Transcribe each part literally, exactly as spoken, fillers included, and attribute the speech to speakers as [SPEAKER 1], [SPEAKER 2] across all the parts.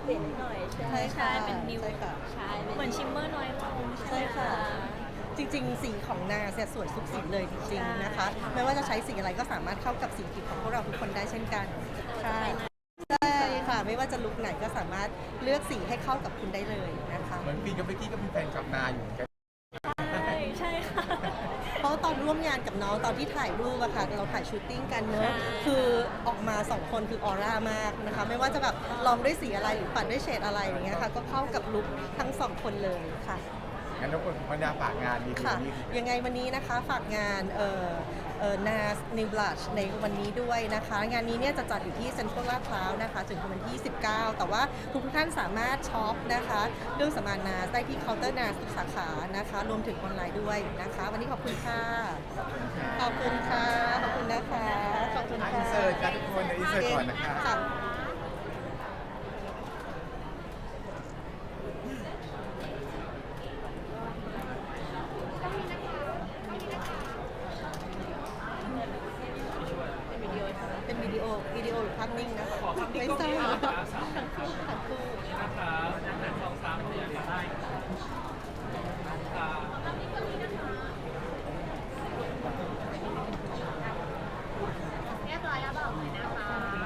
[SPEAKER 1] เปลี่ยนนิดหน่อยใช่
[SPEAKER 2] ใช่ค่ะ
[SPEAKER 1] ใช่เป็นนิว
[SPEAKER 2] ใช่ค่ะ
[SPEAKER 1] ใช่
[SPEAKER 3] เหมือนชิมเมอร์น้อยลง
[SPEAKER 2] ใช่ค่ะ จริงๆ สีของนาเนี่ยสวยทุกสีเลยจริงๆนะคะ ไม่ว่าจะใช้สีอะไรก็สามารถเข้ากับสีผิวของพวกเราทุกคนได้เช่นกันค่ะใช่ค่ะ ไม่ว่าจะลุคไหนก็สามารถเลือกสีให้เข้ากับคุณได้เลยนะคะ
[SPEAKER 4] เหมือนฟีนกับเบกกี้ก็เป็นแฟนกับนาอยู่เหมือนกัน
[SPEAKER 3] ใช่ใช่ค่ะ
[SPEAKER 2] เพราะตอนร่วมงานกับน้องตอนที่ถ่ายรูปอะค่ะเราถ่ายชูตติ้งกันเนอะคือออกมาสองคนคือออร่ามากนะคะ ไม่ว่าจะแบบลองด้วยสีอะไรหรือปัดด้วยเฉดอะไรอย่างเงี้ยค่ะ ก็เข้ากับลุคทั้งสองคนเลยค่ะ
[SPEAKER 4] งั้นทุกคนพันดาฝากงานดี
[SPEAKER 2] ค่ะ
[SPEAKER 4] นี้
[SPEAKER 2] ยังไงวันนี้นะคะฝากงานเอ่อเอ่อ เอ็น เอ เอส New Blush ในวันนี้ด้วยนะคะ งานนี้เนี่ยจะจัดอยู่ที่เซ็นทรัลลาดพร้าวนะคะถึงวันที่ยี่สิบเก้าแต่ว่าทุกท่านสามารถช็อปนะคะเรื่องสำอาง เอ็น เอ เอส ได้ที่เคาน์เตอร์ เอ็น เอ เอส ทุกสาขานะคะรวมถึงออนไลน์ด้วยนะคะ วันนี้ขอบคุณค่ะ ขอบคุณค่ะ ขอบคุณนะคะ ขอบคุณ
[SPEAKER 4] อิ
[SPEAKER 2] ค่ะ
[SPEAKER 4] นเสิร์ตกันทุกคนอินเสิร์ตก่อนนะคะ
[SPEAKER 2] ค่ะ เป็นวิดีโอวิดีโอหรือภาพนิ่งนะคะไม่ทราบทั้งคู่ทั้งคู่
[SPEAKER 5] เรียบร้อยแล้วบอกเลยนะคะ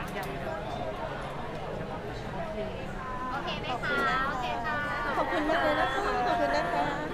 [SPEAKER 5] โอเคไหมคะ โอเคค่ะ
[SPEAKER 2] ขอบคุณมากเลยนะคะ ขอบคุณนะคะ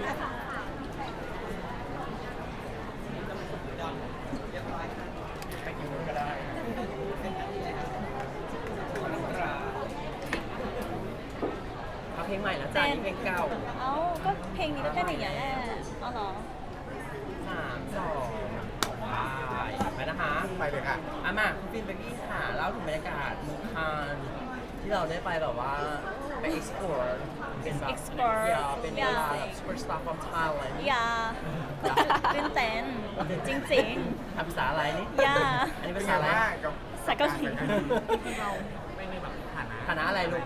[SPEAKER 1] เอาเพลงใหม่แล้วจ้านี่เพลงเก่า
[SPEAKER 3] เอ้าก็เพลงนี้ก็เต้นอย่างเงี้ยแหละเอาเหรอ
[SPEAKER 1] สามสองไปไปนะคะ
[SPEAKER 4] ไปเลยค่ะ
[SPEAKER 1] อามาคุณฟินเบกกี้ค่ะเล่าถึงบรรยากาศมูคานที่เราได้ไปแบบว่าไป explore เป็นแบบ
[SPEAKER 3] explore
[SPEAKER 1] อย่าเป็น
[SPEAKER 3] อย่า
[SPEAKER 1] แบบ superstar from Thailand
[SPEAKER 3] อย่าตื่นเต้นจริง
[SPEAKER 1] ทำภาษาอะไรนี่
[SPEAKER 3] อย่า
[SPEAKER 1] อันนี้
[SPEAKER 4] เป็
[SPEAKER 1] ภาน ษา
[SPEAKER 4] ไง
[SPEAKER 1] อะไร
[SPEAKER 4] บ้างกับ
[SPEAKER 3] ภาษาเกาหลี
[SPEAKER 4] เราไม่ได้แบบฐานะ
[SPEAKER 1] คณะอะไรลูก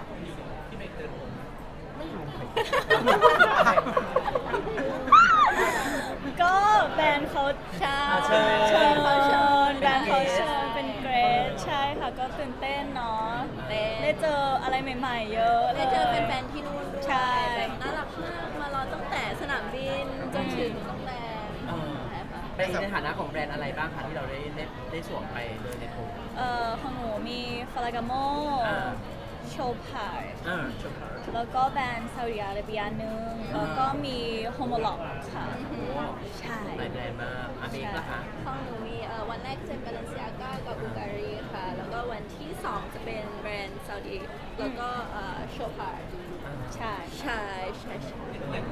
[SPEAKER 3] ๆ ก็แบรนด์เขาใช่
[SPEAKER 1] อ่าเชิญ
[SPEAKER 3] เชิญเขาเชิญ
[SPEAKER 1] เป็น
[SPEAKER 3] แบรนด์เขา
[SPEAKER 1] guest
[SPEAKER 3] เชิญเป็นเกรดใช่ค่ะก็ตื่นเต้นเนาะได้เจออะไรใหม่ๆ เยอะลย
[SPEAKER 5] ได้เจอแฟนๆที่นู่นด้วย
[SPEAKER 3] ใช่
[SPEAKER 5] แบบน่ารักมาก มารอตั้งแต่สนามบินจนถึงโรงแรม
[SPEAKER 1] เออ
[SPEAKER 5] ใช่ค่ะ
[SPEAKER 1] เป็นในฐานะของแบรนด์อะไรบ้างคะที่เราได้ได้ได้สวมไปเลยในโทร
[SPEAKER 3] เอ่อของหนูมีฟลากาโม
[SPEAKER 1] อ่า
[SPEAKER 3] โชพาร์
[SPEAKER 1] อ่าชม
[SPEAKER 3] แล้วก็แบรนด์ซาอุดิอาระเบียหนึ่งแล้วก็มีโฮโมล็อกค่ะ ใช่
[SPEAKER 1] หลายแบรนด์มากอาเมกล่ะคะ
[SPEAKER 5] ของหนูมีเอ่อวันแรกจะเป็นบาเลนซิอาก้ากับบูการีค่ะ แล้วก็วันที่สองจะเป็นแบรนด์ซาอุดีแล้วก็เอ่อโชพาร์
[SPEAKER 3] ใช่
[SPEAKER 5] ใช่ใช่ใช่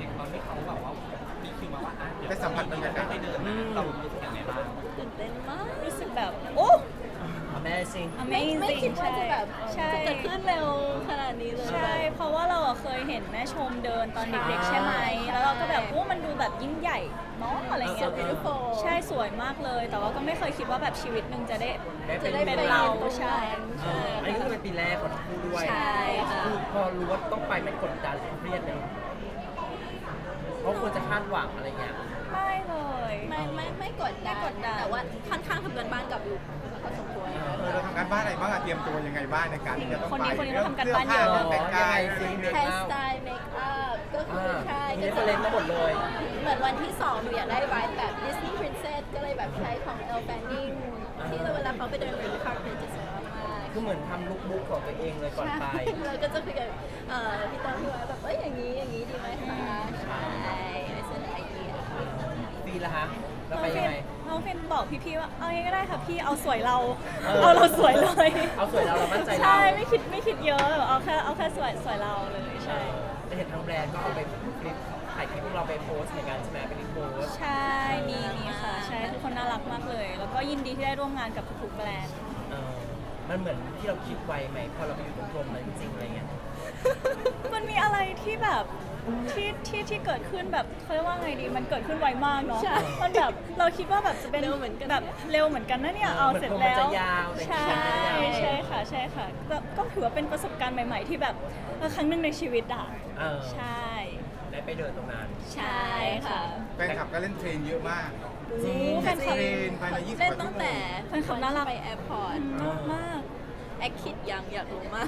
[SPEAKER 4] ได้สัมผัสบรรยากาศ
[SPEAKER 1] เรารู้สึกยังไงบ้าง
[SPEAKER 5] ตื่นเต้นมาก
[SPEAKER 3] รู้สึกแบบ โอ้
[SPEAKER 1] Amazing
[SPEAKER 5] ไม่
[SPEAKER 3] amazing
[SPEAKER 5] ไม่คิดว่าจะแบบ
[SPEAKER 3] ใช่
[SPEAKER 5] จะเกิดขึ้นเร็วขนาดนี้เลย
[SPEAKER 3] ใช่ เพราะว่าเราอะเคยเห็นแม่ชมเดินตอนเด็กๆใช่ไหม แล้วเราก็แบบโอ้มันดูแบบยิ่งใหญ่เนาะอะไรเงี้ย
[SPEAKER 1] เออ
[SPEAKER 5] beautiful
[SPEAKER 3] ใช่สวยมากเลย แต่ว่าก็ไม่เคยคิดว่าแบบชีวิตหนึ่งจะได้
[SPEAKER 1] ได้เป็
[SPEAKER 5] จะ
[SPEAKER 1] น
[SPEAKER 5] ได้
[SPEAKER 3] เป็น
[SPEAKER 5] ไป
[SPEAKER 3] เรา
[SPEAKER 5] ตรง
[SPEAKER 3] ใช่
[SPEAKER 5] นั้น
[SPEAKER 1] เอออันนี้ก็เป็นปีแรกของทั้งคู่ด้วย
[SPEAKER 5] ใช่ค่ะ
[SPEAKER 1] คือพอรู้ว่าต้องไปไม่กดดันเครียดเลยเพราะควรจะคาดหวังอะไรเงี้ย
[SPEAKER 3] ไม่เลย
[SPEAKER 5] ไม่ไม่ไม่กดดัน
[SPEAKER 3] ไม่กดดัน
[SPEAKER 5] แต่ว่าค่อนข้างทำกันบ้านกับลูกพอสมควร
[SPEAKER 4] เออเราทำการบ้านอะไรบ้างอะเตรียมตัวยังไงบ้างในการที่จะต้อง
[SPEAKER 3] คน
[SPEAKER 4] ไป
[SPEAKER 3] นี้คนนี้เขาทำการบ้านเยอะ
[SPEAKER 4] เรื่องแต่งกาย
[SPEAKER 1] ยังไงสิ
[SPEAKER 5] แฮร์สไตล์เมคอัพก็คือ
[SPEAKER 1] อ่า
[SPEAKER 5] ใช่
[SPEAKER 1] มี
[SPEAKER 5] ก็
[SPEAKER 1] เรฟเฟอเรนซ์มาหมดเลย
[SPEAKER 5] เหมือนวันที่สองหนูอยากได้ไวท์แบบดิสนีย์พรินเซสก็เลยแบบใช้ของเอลแฟนนิงที่เวลาเขาไปเดินริมคาร์เพจจะสวยมาก
[SPEAKER 1] คือเหมือนทำลุคบุ๊กของตัวเองเลยก่อนไป
[SPEAKER 5] เราก็จะคุยกับเอ่อพี่ต้นพี่ไว้แบบเอ้ยอย่างนี้อย่างนี้ดีไหมคะใช่ไม่เสนอไอเดีย
[SPEAKER 1] ฟีละฮะ แล้ว
[SPEAKER 3] น้อง
[SPEAKER 1] ไป
[SPEAKER 3] ฟิ
[SPEAKER 1] ยัง
[SPEAKER 3] น
[SPEAKER 1] ไง
[SPEAKER 3] น้องฟินบอกพี่ๆว่าเอางี้ก็ได้ค่ะพี่เอาสวยเรา
[SPEAKER 1] เออ
[SPEAKER 3] เอาเราสวยเลย
[SPEAKER 1] เอาสวยเราเรามั่นใจเรา
[SPEAKER 3] ใช่ไม่คิดไม่คิดเยอะเอาแค่เอาแค่สวยสวยเราเลยใช่
[SPEAKER 1] จะเห็นทางแบรนด์ก็เอาไปคลิปถ่ายคลิปพวกเราไปโพสต์ในการใช่ไหมเป็นโพสต์
[SPEAKER 3] ใช่มีมีค่ะใช่ทุกคนน่ารักมากเลย แล้วก็ยินดีที่ได้ร่วมงานกับทุกๆแบรนด์
[SPEAKER 1] เออมันเหมือนที่เราคิดไว้ไหมพอเราไปอยู่ตรงกรมนั้นจริงๆอะไรเงี้ย
[SPEAKER 3] มันมีอะไรที่แบบที่ที่ที่เกิดขึ้นแบบเขาเรียกว่าไงดีมันเกิดขึ้นไวมากเนาะ
[SPEAKER 5] ใช่
[SPEAKER 3] มันแบบเราคิดว่าแบบจะเป็น
[SPEAKER 5] เร็วเหมือนกัน
[SPEAKER 3] แบบเร็วเหมือนกันนะเนี่ย
[SPEAKER 1] เออ
[SPEAKER 3] เอา
[SPEAKER 1] เหมือน
[SPEAKER 3] เสร็จ
[SPEAKER 1] ผมมัน
[SPEAKER 3] แล้ว
[SPEAKER 1] จะยาวแต่
[SPEAKER 3] ใช่
[SPEAKER 1] จริงๆมันไม่ได้ยาว
[SPEAKER 3] ใช่ค่ะใช่ค่ะก็ก็ถือว่าเป็นประสบการณ์ใหม่ ๆ ที่แบบเออครั้งหนึ่งในชีวิตอ่ะ
[SPEAKER 1] เออ
[SPEAKER 3] ใช่
[SPEAKER 1] ได้ไปเดินตรงนั้น
[SPEAKER 3] ใช่ค่ะ
[SPEAKER 4] แฟนคลับก็เล่นเทรนเยอะมาก
[SPEAKER 3] จริงแฟนคลับ
[SPEAKER 4] เทรนภายในยี่สิบ
[SPEAKER 5] เล่น
[SPEAKER 4] กว่า
[SPEAKER 5] ตั้
[SPEAKER 4] ชั่
[SPEAKER 5] ง
[SPEAKER 4] วโม
[SPEAKER 5] แต่
[SPEAKER 4] ง
[SPEAKER 3] แฟนคลับน่ารัก
[SPEAKER 5] ไปแอร์พอร์ต
[SPEAKER 3] น่ารักมาก
[SPEAKER 5] แอคคิดยังอยากรู้มาก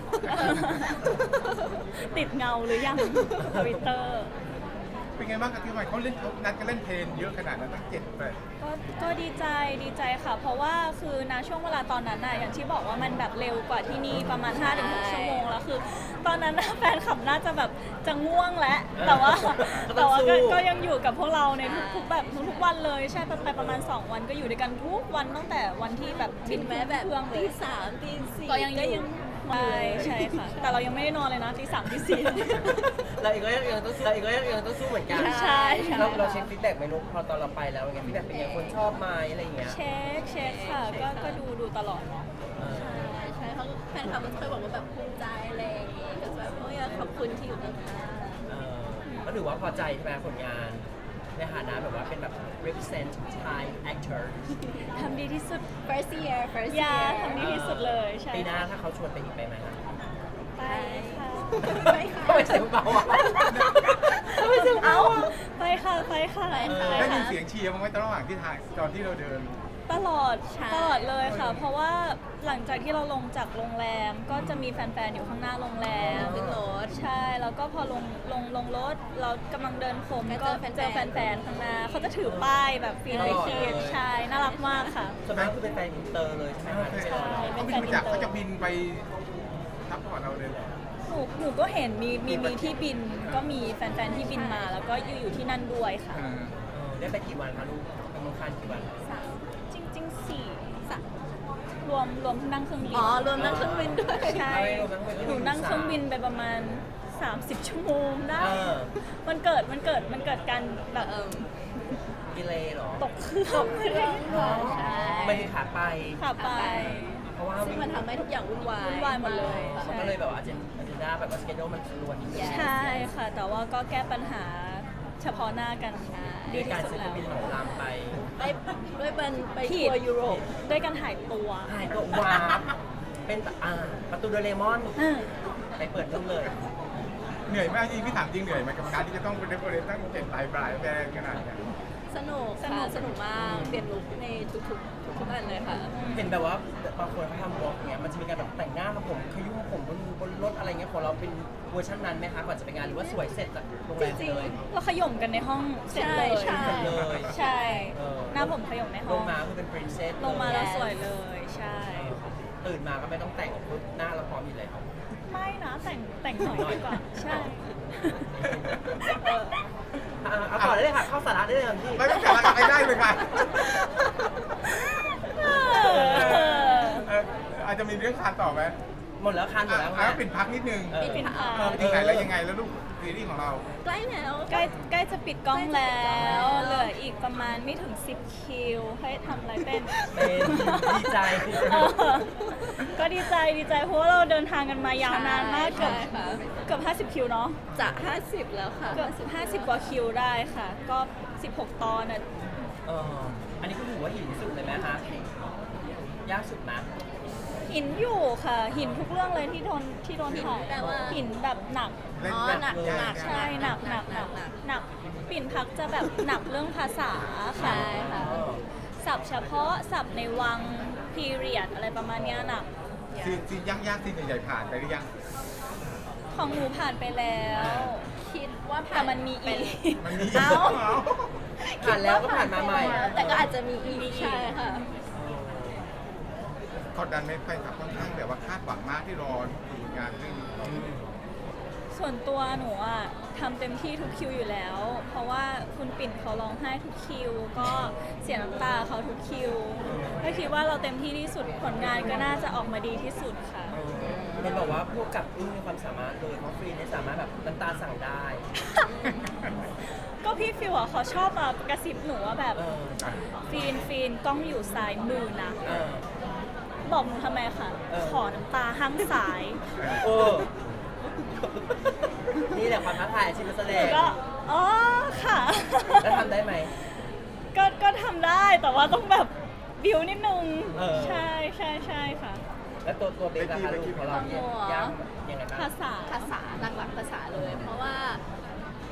[SPEAKER 3] ติดเงาหรือยังทวิตเตอร์
[SPEAKER 4] เป็นไงบ้างกับที่วันเขาเล่นเขานัดกันเล่นเพลงเยอะขนาดนั้นตั้งเจ็ดแปด
[SPEAKER 3] ก็ก็ดีใจดีใจค่ะ เพราะว่าคือณช่วงเวลาตอนนั้นน่ะอย่างที่บอกว่ามันแบบเร็วกว่าที่นี่ประมาณ ห้าถึงหก ชั่วโมงแล้วคือ ตอนนั้นน่ะแฟนคลับน่าจะแบบจะง่วงแล้วแต่ว่า
[SPEAKER 1] ก็ต้
[SPEAKER 3] แต่
[SPEAKER 1] อง
[SPEAKER 3] ว่า
[SPEAKER 1] สู้
[SPEAKER 3] ก็ก็ยังอยู่กับพวกเราในทุกๆแบบทุกๆวันเลยใช่ไปไปประมาณ สอง วันก็อยู่ด้วยกันทุกวันตั้งแต่วันที่แบบ
[SPEAKER 5] ถึงแม้แบบ
[SPEAKER 3] เครื่องเล
[SPEAKER 5] ตี
[SPEAKER 3] ย
[SPEAKER 5] สามตีสี่
[SPEAKER 3] ก็ยังอยู่ใช่ใช่ค่ะ แต่เรายังไม่ได้นอนเลยนะตีสามตีสี่
[SPEAKER 1] เราเองก็ยังยังต้องเราเองก็ยังยังต้องสู้เหมือนกัน
[SPEAKER 3] ใช่ใช่
[SPEAKER 1] เราเราเช็คฟีดแบ็กไหมนุ๊กพอตอนเราไปแล้วไงฟีดแบ็กเป็นไงคนชอบไหมอะไรอย่างเงี้ย
[SPEAKER 3] เช็คเช็คค่ะก็ก็ดูดูตลอด
[SPEAKER 1] เออ
[SPEAKER 5] ใช่ใช่เขาแฟนคลับก็เคยบอกว่าแบบภูมิใจอะไรอย่างงี้ก็แบบโอ้ยขอบคุณที่อยู่ข้าง
[SPEAKER 1] เออก็ถือว่าพอใจใช่ไหมผลงาน ในฐานะแบบว่าเป็นแบบ represent Thai actor
[SPEAKER 3] ทำดีที่สุด
[SPEAKER 5] ๆ first year first
[SPEAKER 3] อย่า
[SPEAKER 5] year
[SPEAKER 3] ทำดีที่สุดเลยใช่
[SPEAKER 1] ปีหน้าถ้าเขาชวนไปอีกไปไหมคะ
[SPEAKER 3] ไปค่ะ
[SPEAKER 5] ไปค่ะ
[SPEAKER 1] ทำไมเสียงเบาอ่ะทำไมเสียง
[SPEAKER 3] เอา
[SPEAKER 1] เบาอ่ะ
[SPEAKER 3] ไปค่ะไปค่ะ
[SPEAKER 5] ไปค่ะ
[SPEAKER 4] ได้ยินเสียงเชียร์บ้างไหมตอนระหว่างที่ถ่ายตอนที่เราเดิน
[SPEAKER 3] ตลอด
[SPEAKER 5] ใช่
[SPEAKER 3] ตลอดเลยค่ะ เพราะว่าหลังจากที่เราลงจากโรงแรมก็จะมีแฟนๆอยู่ข้างหน้าโรงแรม
[SPEAKER 5] ขึ้นรถ
[SPEAKER 3] ใช่แล้วก็พอลงลงลงรถเรากำลังเดินโคม
[SPEAKER 5] ก็
[SPEAKER 3] ก็
[SPEAKER 5] เจอแฟนๆ
[SPEAKER 3] เจอแฟนๆข้างหน้าเขาจะถือป้ายแบบฟรีไอทีใช่น่ารักมากค่ะ
[SPEAKER 1] ส่วนมากคือเป็นแฟนอินเตอร์เลยใช่ไหมคะที่ไป
[SPEAKER 3] ใช่
[SPEAKER 1] รอ
[SPEAKER 4] เขาบินมาจากเขาจะบินไปซัพพอร์ตเราเลยเหรอ
[SPEAKER 3] หนูหนูก็เห็นมีมีมีที่บินก็มีแฟนๆที่บินมาแล้วก็อยู่อยู่ที่นั่นด้วยค่ะ
[SPEAKER 4] อ่า
[SPEAKER 1] เออได้ไปกี่วันคะลูกไปเมืองคานกี่วัน
[SPEAKER 5] สาม
[SPEAKER 3] จริงๆสี่
[SPEAKER 5] สาม
[SPEAKER 3] รวมรวมนั่งเครื่องบิน
[SPEAKER 5] อ๋อรวมนั่งเครื่องบินด้วย
[SPEAKER 3] ใช่
[SPEAKER 1] ไม่รวมนั่งเครื่องบิน
[SPEAKER 3] หนูนั่งเครื่องบินไปประมาณ สามสิบ ชั่วโมงได้
[SPEAKER 1] เออ
[SPEAKER 3] มันเกิดมันเกิดมันเกิดการแบบ
[SPEAKER 5] เอิ่ม
[SPEAKER 1] ดีเลยเหรอ
[SPEAKER 3] ตกเครื่องเลย
[SPEAKER 1] อ๋อ
[SPEAKER 5] ใช่
[SPEAKER 1] ไม่ได้ขาไป
[SPEAKER 3] ขับไป
[SPEAKER 1] เพราะว่า
[SPEAKER 5] ซึ่งมันทำให้ทุกอย่างวุ่นวาย
[SPEAKER 3] วุ่นวายหมดเลย
[SPEAKER 1] มันก็เลยแบบว่าอาเจนอาเจนดาแบบว่าสเกจโดมันรวนนิดนึง
[SPEAKER 3] ใช่ค่ะ แต่ว่าก็แก้ปัญหาเฉพาะหน้ากันดี
[SPEAKER 1] ด้วย
[SPEAKER 3] ที่
[SPEAKER 1] การ
[SPEAKER 3] สุด
[SPEAKER 1] ซื้อเค
[SPEAKER 3] แล้
[SPEAKER 1] รื่อง
[SPEAKER 3] ว
[SPEAKER 1] บินของรามไป
[SPEAKER 5] ไปด้วยเป็นไป
[SPEAKER 3] ผิ
[SPEAKER 5] ทั
[SPEAKER 3] ด
[SPEAKER 5] วร์ยุโรป
[SPEAKER 3] ด้วยการหายตัว
[SPEAKER 1] หายตัววาร์ปเป็นอ่าประตูโดเรมอน
[SPEAKER 3] อืม
[SPEAKER 1] ไปเปิดรุ่นเลย
[SPEAKER 4] เหนื่อยไหมจริงพี่ถามจริงเหนื่อยไหมกับการที่จะต้องเป็นเรฟเฟอเรนซ์ตั้งเจ็ดปลายปลายแบรนด์ขนาดเนี้ย
[SPEAKER 5] สนุกค่ะสนุกมากเปลี่ยนลุคในทุกๆทุกๆอันเลยค่ะ
[SPEAKER 1] เห็นแบบว่าบางคนเขาทำบล็อกเนี้ยมันจะมีการแบบแต่งหน้าทำผมขยุ่มผมบนบนรถอะไรเงี้ยของเราเป็นเวอร์ชันนั้นไหมคะก่อนจะไปงานหรือว่าสวยเสร็จจากโรงแรม
[SPEAKER 5] จริงๆ
[SPEAKER 1] เลย
[SPEAKER 3] เราขย่มกันในห้องเสร็จเลย
[SPEAKER 5] ใช่
[SPEAKER 1] เลย
[SPEAKER 3] ใช่
[SPEAKER 1] เออ
[SPEAKER 3] หน้าผมขย่มใน
[SPEAKER 1] ล
[SPEAKER 3] ห้อง ง
[SPEAKER 1] มาคือเป็นปรินเซส
[SPEAKER 3] ลงมาแล้วสวยเลยใช่
[SPEAKER 1] ตื่นมาก็ไม่ต้องแต่งปุ๊บหน้าเราพร้อมอยู่แล้ว
[SPEAKER 3] ไม่นะแต่งแต่งหน่อยดีกว่าใช่
[SPEAKER 1] เอออ่ะเอาต่อได้เลยค่ะเข้าสาระได้เลยค่ะพี่
[SPEAKER 4] ไม่ต้องกลับมาไปได้เลยค่ะ
[SPEAKER 3] เออ
[SPEAKER 4] เอออาจจะมีเรื่องคานต่อไหม
[SPEAKER 1] หมดแล้วคันหมด
[SPEAKER 4] อ่ะ
[SPEAKER 1] แล้ว
[SPEAKER 4] อ่ะปิดพักนิดนึง
[SPEAKER 1] เออ
[SPEAKER 3] ปิดพัก
[SPEAKER 4] เออไปถึงไหนแล้วยังไงแล้วลูกซีรีส์ของเรา
[SPEAKER 5] ใกล้แล้ว
[SPEAKER 3] ใกล้ใกล้จะปิดกล้องแล้วเหลืออีกประมาณไม่ถึงสิบคิวให้ทำอะไรเป็น
[SPEAKER 1] เป็นดีใจ
[SPEAKER 3] เออก็ดีใจดีใจเพราะว่าเราเดินทางกันมายาวนานมากเกือบ
[SPEAKER 5] ใช่ค่ะ
[SPEAKER 3] เกือบห้าสิบคิวเนาะ
[SPEAKER 5] จะห้าสิบแล้วค่ะ
[SPEAKER 3] เกือบห้าสิบกว่าคิวได้ค่ะ ก็สิบหกตอนอ่ะ
[SPEAKER 1] เอออันนี้ก็ถือว่าหินสุดเลยไหมคะยากสุดนะ
[SPEAKER 3] หินอยู่ค่ะ หินทุกเรื่องเลยที่โดนที่โดนถ่าย
[SPEAKER 5] แปลว่า
[SPEAKER 3] หินแบบหนัก
[SPEAKER 4] เล่น
[SPEAKER 5] อ๋อ
[SPEAKER 4] แบบ
[SPEAKER 5] หนัก
[SPEAKER 4] เลย
[SPEAKER 5] หนัก
[SPEAKER 3] ใช่หนักหนักหนัก
[SPEAKER 5] หนัก
[SPEAKER 3] หนักปิ่นพักจะแบบหนักเรื่องภาษาค่ะ
[SPEAKER 5] ใช่ค่ะ
[SPEAKER 3] ศัพท์เฉพาะศัพท์ในวังพีเรียดอะไรประมาณเนี้ยหนัก
[SPEAKER 4] ซีนซีนยากๆซีนใหญ่ๆผ่านไปหรือยัง
[SPEAKER 3] ของหนูผ่านไปแล้ว
[SPEAKER 5] คิดว่าผ่า
[SPEAKER 3] แต่มันมีอีก
[SPEAKER 4] มันมี
[SPEAKER 5] เอ้า
[SPEAKER 1] ผ่านแล้วก็ผ่านมาใหม่
[SPEAKER 5] แต่ก็อาจจะมีอีกใช่ค่ะ
[SPEAKER 4] กดดันไหมแฟนคลับค่อนข้างแบบว่าคาดหวังมากที่รอดูงานเรื่องนี้
[SPEAKER 3] ส่วนตัวหนูอ่ะทำเต็มที่ทุกคิวอยู่แล้ว เพราะว่าคุณปิ่นเขาร้องไห้ทุกคิว ก็เสียน้ำตาเขาทุกคิวก็คิดว่าเราเต็มที่ที่สุดผลงานก็น่าจะออกมาดีที่สุดค่ะ
[SPEAKER 1] เห็นบอกว่าพวกกับอึ้งมีความสามารถเลยเพราะฟรีเนี่ยสามารถแบบน้ำตาสั่งได้
[SPEAKER 3] ก็พี่ฟิวอ่ะเขาชอบมากระซิบหนูว่าแบบ
[SPEAKER 1] เออ
[SPEAKER 3] ฟีนฟีนกล้องอยู่ซ้ายมือนะ
[SPEAKER 1] เออ
[SPEAKER 3] บอกหนูทำไมคะ
[SPEAKER 1] เออ
[SPEAKER 3] ขอน้ำตาห้างสาย
[SPEAKER 1] เออ นี่แหละความท้าทายอาชีพนักแสด
[SPEAKER 3] หนู
[SPEAKER 1] ง
[SPEAKER 3] ก็อ๋อค่ะ
[SPEAKER 1] แล้วทำได้ไหม
[SPEAKER 3] ก็ก็ทำได้แต่ว่าต้องแบบบิวนิดนึง
[SPEAKER 1] เออ
[SPEAKER 3] ใช่ใช่ใช่ค่ะ
[SPEAKER 1] แล้วตัวตัวเบสราคาลูกของเราเนี่ยยากยังไงบ้าง
[SPEAKER 3] ภาษา
[SPEAKER 5] ภาษาหลักๆภาษาเลย เพราะว่าภาษาย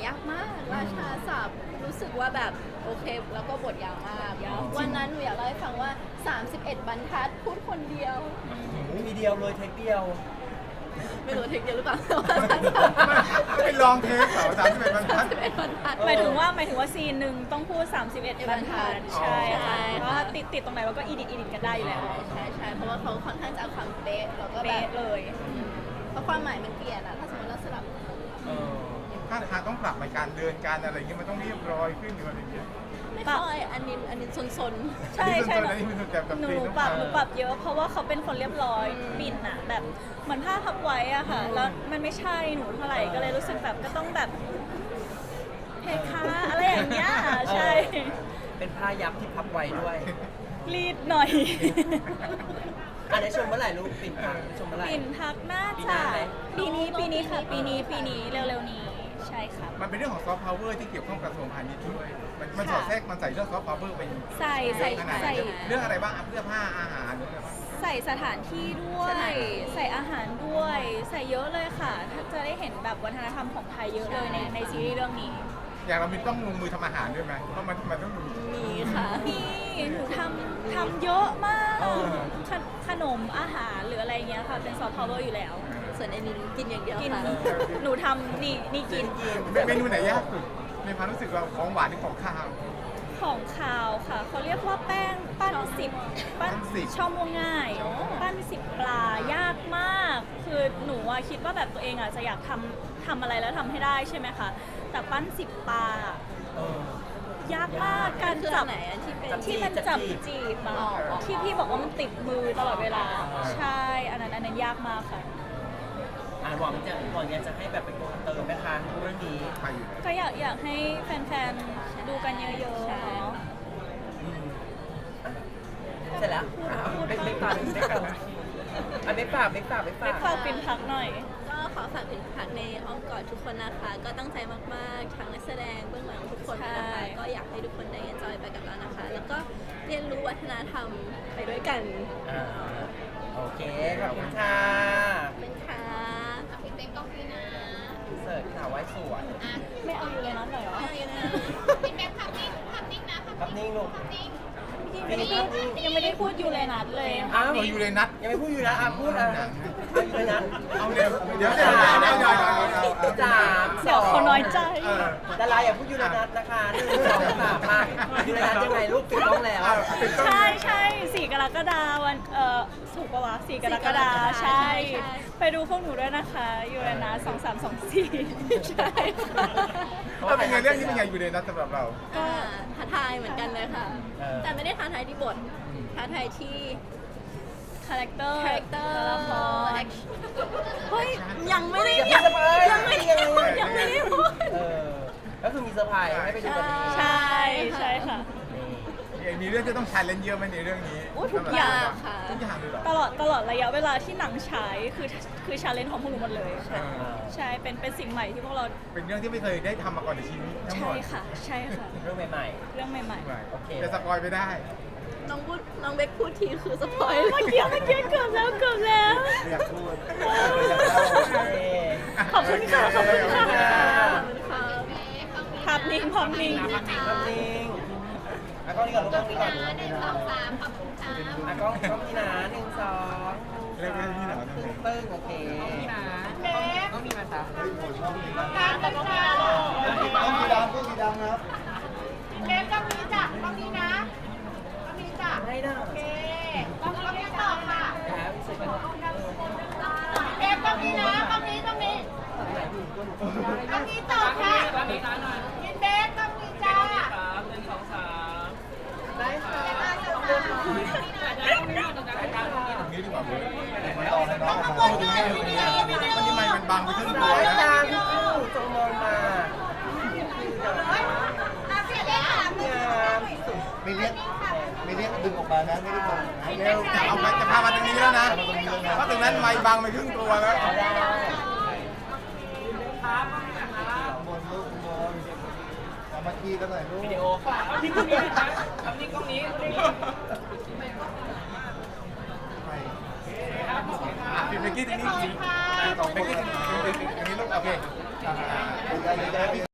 [SPEAKER 5] ยากมากราชาศัพท์รู้สึกว่าแบบโอเคแล้วก็บทยาวมากวันนั้นหนูอยากเล่าให้ฟังว่า สามสิบเอ็ด บรรทัดพูดคนเดียว
[SPEAKER 1] มีเดียวเลยเทคเดียว
[SPEAKER 5] ไม่รู้ว่าเทคเดียวหรือเปล่า
[SPEAKER 4] เป็นลองเทคเหรอสามสิบเอ็ดบรรทัด
[SPEAKER 5] สามสิบเอ็ดบรรทัด
[SPEAKER 3] หมายถึงว่าหมายถึงว่าซีนหนึ่งต้องพูด สามสิบเอ็ด บรรทัด
[SPEAKER 5] อ๋อ
[SPEAKER 3] ใช่ค่ะ
[SPEAKER 5] ใช่
[SPEAKER 3] เพราะว่าติดติดตรงไหนเราก็อีดิทอีดิทกันได้อยู่แล้ว
[SPEAKER 5] ใช่ใช่เพราะว่าเขาค่อนข้างจะเอาความเป๊ะแล้วก็แบ
[SPEAKER 3] เป๊ะ
[SPEAKER 5] บ
[SPEAKER 3] เลย
[SPEAKER 5] อืมเพราะความหมายมันเปลี่ยนอะถ้าสมมติเราสลับ
[SPEAKER 1] เออ
[SPEAKER 4] ถ้าทางต้องปรับในการเดินการอะไรอย่างเงี้ยมันต้องเรียบร้อยขึ้นหรืออะไรอย่างเงี้ย
[SPEAKER 5] ไม่ค่อยอันนี้อันนี้ซนๆ
[SPEAKER 3] ใช่ใช่
[SPEAKER 4] อันนี้มันส่วนแต่กับ
[SPEAKER 3] หนู
[SPEAKER 4] ซี
[SPEAKER 3] หนู
[SPEAKER 4] ต้อง
[SPEAKER 3] ปรับ
[SPEAKER 4] มา
[SPEAKER 3] หนูปรับเยอะ เพราะว่าเขาเป็นคนเรียบร้อยปิ่นอะแบบเหมือนผ้าพับไว้อะค่ะ แล้วมันไม่ใช่หนูเท่าไหร่ก็เลยรู้สึกแบบก็ต้องแบบเพคะอะไรอย่างเงี้ยใช่
[SPEAKER 1] เป็นผ้ายับที่พับไว้ด้วย
[SPEAKER 3] รีดหน่อย
[SPEAKER 1] อันนี้ชมเมื่อไหร่ลูกปิ่นพังชมเมื่อไหร่
[SPEAKER 3] ปิ่นพักน่า
[SPEAKER 1] ปีห
[SPEAKER 3] จะ
[SPEAKER 1] น้าไหม
[SPEAKER 3] ปีนี้ปีนี้ค่ะ ปีนี้ปีนี้เร็วๆนี้ใช่ครับ
[SPEAKER 4] มันเป็นเรื่องของซอฟต์พาวเวอร์ที่เกี่ยวข้องกับกระทรวงพาณิชย์ด้วยมันมันส
[SPEAKER 3] ค่ะ
[SPEAKER 4] อดแทรกมันใส่เรื่องซอฟต์พาวเวอร์ไป
[SPEAKER 3] ใส่ใส่
[SPEAKER 4] ขนาด
[SPEAKER 3] ใส่
[SPEAKER 4] ไหนเรื่องอะไรบ้างอ่ะเสื้อผ้าอาหารเรื่องอะไรบ้าง
[SPEAKER 3] ใส่สถานที่ด้วย ใส่อาหารด้วย ใส่เยอะเลยค่ะ ถ้าจะได้เห็นแบบวัฒนธรรมของไทยเยอะเลยในในซีรีส์เรื่องนี้
[SPEAKER 4] อย่างเรามีต้องลงมือทำอาหารด้วยไหมเพราะมันมันต้องดู
[SPEAKER 5] มีค่ะ
[SPEAKER 3] นี่หนูทำทำเยอะมาก
[SPEAKER 1] เออ
[SPEAKER 3] ขนขนมอาหารหรืออะไรเงี้ยค่ะ เป็นซอฟต์พาวเวอร์อยู่แล้ว
[SPEAKER 5] ส่วนไอ้นินกินอย่างเดียว
[SPEAKER 3] กิน
[SPEAKER 5] ค่ะ
[SPEAKER 3] หนูทำนี่นี่กิน
[SPEAKER 4] เมนูไหนยากสุดในความรู้สึกเราของหวานหรือของข้าว
[SPEAKER 3] ของคาวค่ะ เขาเรียกว่าแป้งปั้นสิบปั้น
[SPEAKER 4] ปั้นสิบ
[SPEAKER 3] ช่อม่วงง่าย ปั้นสิบปลายากมาก คือหนูอะคิดว่าแบบตัวเองอะจะอยากทำทำอะไรแล้วทำให้ได้ใช่ไหมคะ แต่ปั้นสิบปลา
[SPEAKER 1] เออ
[SPEAKER 3] ยากมากการ
[SPEAKER 5] คือ
[SPEAKER 3] จั
[SPEAKER 5] อั
[SPEAKER 3] บ
[SPEAKER 5] นไหนอันที่เป็น
[SPEAKER 3] ที่มันจับจีบอะ
[SPEAKER 5] อ๋ออ๋อ
[SPEAKER 3] ที่พี่บอกว่ามันติดมือตลอดเวลา ใช่ อันนั้นอันนั้นยากมากค่ะ
[SPEAKER 1] อ่าหวังจะหวังอยากจะให้แบบเป็นโกเติมไหมคะเรื่องนี้
[SPEAKER 4] ไปอยู่แล้ว
[SPEAKER 3] ก็อยากอยากให้แฟนๆ ดูกันเยอะๆเนาะ
[SPEAKER 1] อืมเสร็จแล้วอ่ะเบ๊กเบ๊กฝากเบ๊กฝากอ่ะเบ๊กฝากเบ๊กฝากเบ๊ก
[SPEAKER 3] ไป
[SPEAKER 1] ฝาก
[SPEAKER 3] ฝากปินพักหน่อย
[SPEAKER 5] ก็ขอฝากเป็นพักในอ้อมกอดทุกคนนะคะ ก็ตั้งใจมากๆทั้งนักแสดงเบื้องหลังทุกคนนะคะ
[SPEAKER 3] ใช่
[SPEAKER 5] ก็อยากให้ทุกคนได้ enjoy ไปกับเรานะคะ แล้วก็เรียนรู้วัฒนธรรมไปด้วยกัน
[SPEAKER 1] อ่าโอเค ขอบคุณค่ะ
[SPEAKER 5] เป็นค่ะ
[SPEAKER 6] พี่เต้นกล้องพี่นะ
[SPEAKER 1] เสิร์ฟข่าวไว้สวย
[SPEAKER 3] ไม่เอาอยู่เลยนั้นหน่อยเหรอ
[SPEAKER 5] ไม่เอานะ
[SPEAKER 6] พี่แม็กภาพนิ่งภาพนิ่งนะภาพ
[SPEAKER 1] ครับนิ่งลูก
[SPEAKER 6] นิ่ง
[SPEAKER 3] ยังไม่ได้พูดยังไม่ได้พูดอยู่เลยนัดเลย
[SPEAKER 1] อ้าว
[SPEAKER 4] เราอยู่ในนัด
[SPEAKER 1] ยังไม่พูดอยู่นะอ่ะพูดอ่ะเอาอยู่เลยนะ
[SPEAKER 4] เอาเดี๋ยวเดี๋ยวเดี๋ยวเดี๋ยวเดี๋ยวเดี๋ยวเดี๋ยวเดี๋ยว
[SPEAKER 1] สามส
[SPEAKER 3] เดี๋ยว
[SPEAKER 1] อง
[SPEAKER 3] เขาน้อยใจ
[SPEAKER 4] เออ
[SPEAKER 1] ดาราอย่าพูดยูเรนัสนะคะหนึ่งสองสามมายูเรนัสยังไงลูกปิดกล้องแล้ว
[SPEAKER 3] ใช่ใช่สี่กรกฎาวันเอ่อถูกปะวะสี่กรกฎาใช่ ไปดูพวกหนูด้วยนะคะยูเรนัสสองสามสองสี่ใช่ค่ะ
[SPEAKER 4] ถ้าเป็นไงเรื่องนี้เป็นไงอยู่ในนัดสำหรับเรา
[SPEAKER 5] ก็ท้าทายเหมือนกันเลยค่ะ
[SPEAKER 1] เออ
[SPEAKER 5] แต่ไม่ได้ท้าทายที่บท ท้าทายที่
[SPEAKER 3] คาแรคเตอร์
[SPEAKER 5] คาแรคเตอร์
[SPEAKER 3] ตัวละคร
[SPEAKER 5] เฮ้ย ยังไม่ได้
[SPEAKER 1] อย่า
[SPEAKER 5] ยัง
[SPEAKER 1] เพิ่งสปอย
[SPEAKER 5] ยังไม่ได้พูดยังไม่ได้พูด
[SPEAKER 1] เออก็คือมีเซอร์ไพรส์ให้ไปดูกันนี้
[SPEAKER 3] ใช่ใช่ค่ะ
[SPEAKER 4] มีเรื่องที่ต้องชาเลนจ์เยอะไหมในเรื่องนี้
[SPEAKER 3] โอ้ทุกอย่าง
[SPEAKER 5] ค่ะ
[SPEAKER 4] ทุกอย่างเลยเหรอ
[SPEAKER 3] ตลอดตลอดระยะเวลาที่หนังฉายคือคือชาเลนจ์ของพวกหนูหมดเลย
[SPEAKER 4] เออ
[SPEAKER 3] ใช่เป็นเป็นสิ่งใหม่ที่พวกเรา
[SPEAKER 4] เป็นเรื่องที่ไม่เคยได้ทำมาก่อนในชีวิตทั้งหม
[SPEAKER 3] ใช่
[SPEAKER 4] ด
[SPEAKER 3] ค่ะ ใช่ค่ะ
[SPEAKER 1] เรื่องใหม่
[SPEAKER 3] เรื่องใหม่
[SPEAKER 1] โอเค
[SPEAKER 4] จะสปอยไปได้
[SPEAKER 5] น้องพูดน้องเบคพูดทีคือสปอย
[SPEAKER 3] ๆเมื่อกี้เมื่อกี้เกือบแล้วเกือบแล้ว
[SPEAKER 4] อยากพูด
[SPEAKER 1] ๆโอเค
[SPEAKER 3] ขอบคุณค่ะขอบคุณค่ะ
[SPEAKER 5] ขอบคุณค่ะ
[SPEAKER 3] ภาพนิ่งภาพนิ่ง
[SPEAKER 1] ครับนิ่งอ่ะกล้องนี้ก่อนลูกกล้องนี้ก่อน
[SPEAKER 6] นะหนึ่งสองสามขอบคุณค่ะ
[SPEAKER 1] อ่ะกล้องกล้องนี้นะหนึ่งสอง
[SPEAKER 4] เรื่องนี้เหรอ
[SPEAKER 1] ตึ้งตึ้งโอเคนี่นะกล้องนี้มาจ้ะ
[SPEAKER 6] การตั้งใจ
[SPEAKER 7] ต้องมีดำต้องมีดำครับ
[SPEAKER 6] เล็บต้องมีจ้ะต้องมีนะต้องมีจ้ะ
[SPEAKER 1] ให้หน้า
[SPEAKER 6] โอเคต้องต้องมีต่อค่ะ
[SPEAKER 1] แล้วอีกสักหน่อย
[SPEAKER 6] เล็บต้องมีนะต้องมีต้องมีต้องมีต่อค่ะยินเบสต้องมีจ้า
[SPEAKER 1] ได้ค่ะ
[SPEAKER 4] ตรงนี้ดีกว่าเว้ย
[SPEAKER 7] ไม่เอาเลยเนาะ
[SPEAKER 6] ต้องบนหน่อยวิดีโอวิดีโอ
[SPEAKER 4] มันที่มันมันบังไปครึ่งตัว
[SPEAKER 1] ได้
[SPEAKER 4] นะ
[SPEAKER 1] จ้าพี่คู่จงมองมา
[SPEAKER 6] อ่ะเสียเลยค่ะ
[SPEAKER 1] งามสุด
[SPEAKER 7] ไม่เรียกไม่เรียกดึงออกมานะไม่ได้บอกนะ
[SPEAKER 4] เร็วจะเอาไปจะพามาตรงนี้แล้วนะเพราะตรงนั้นไม่บังไปครึ่งตัวแล้ว
[SPEAKER 1] ได้
[SPEAKER 7] บนลูกบนเอามาคีกันหน่อยลูก
[SPEAKER 1] วิดีโอค่ะนี่กล้องนี้นะครับนี่กล้องนี้
[SPEAKER 7] ไป
[SPEAKER 4] อ่ะพี่เบกกี้ตรงนี้จริงเบกกี้ตรงนี้ตรงนี้ลูกโอเค
[SPEAKER 7] อ่า